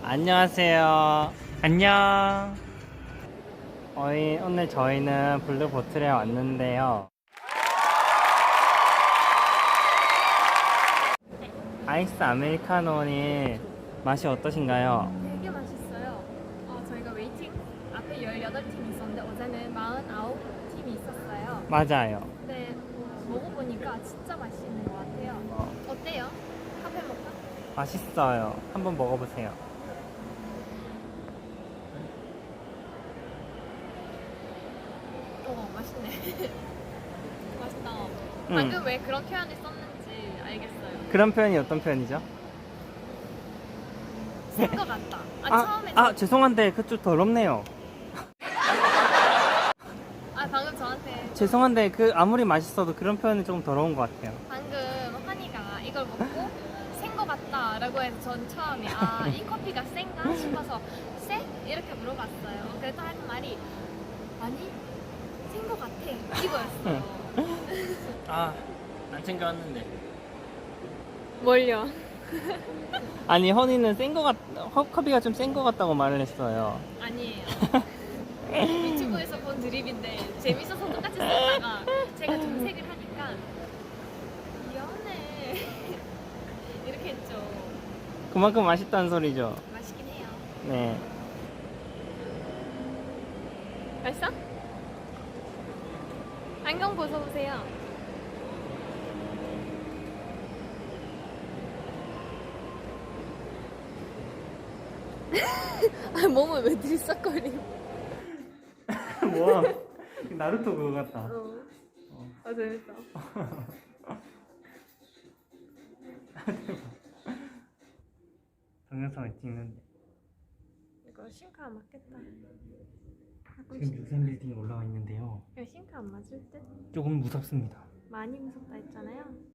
안녕하세요. 안녕. 오늘 저희는 블루보틀에 왔는데요. 아이스 아메리카노니 맛이 어떠신가요? 되게 맛있어요. 저희가 웨이팅 앞에 18팀이 있었는데 어제는 49팀이 있었어요. 맞아요. 근데 먹어보니까 진짜 맛있는 것 같아요. 어때요? 카페 모카? 맛있어요. 한번 먹어보세요. 맛있네. 맛있다. 방금 왜 그런 표현을 썼는지 알겠어요. 그런 표현이 어떤 표현이죠? 쓴 것 같다. 처음에 죄송한데 그쪽 더럽네요. 방금 저한테 죄송한데 아무리 맛있어도 그런 표현은 조금 더러운 것 같아요. 방금 환희가 이걸 먹고 센 것 같다라고 해서 전 처음에 이 커피가 센가 싶어서 쎄? 이렇게 물어봤어요. 그랬더니 하는 말이 아니 센 것 같아 이거였어요. 안 챙겨왔는데. 뭘요? 아니 허니는 커피가 좀 센 것 같다고 말을 했어요. 아니에요. 유튜브에서 본 드립인데 재밌어서 똑같이 썼다가 제가 정색을 하니까 미안해 이렇게 했죠. 그만큼 맛있다는 소리죠. 맛있긴 해요. 네. 맛있어? 안경 벗어보세요. 몸을 왜 들썩거려? 뭐야? 나루토 그거 같다. 재밌어. 동영상을 찍는데 이거 싱크 안 맞겠다. 지금 63빌딩에 올라와 있는데요. 이거 싱크 안 맞을 듯? 조금 무섭습니다. 많이 무섭다 했잖아요.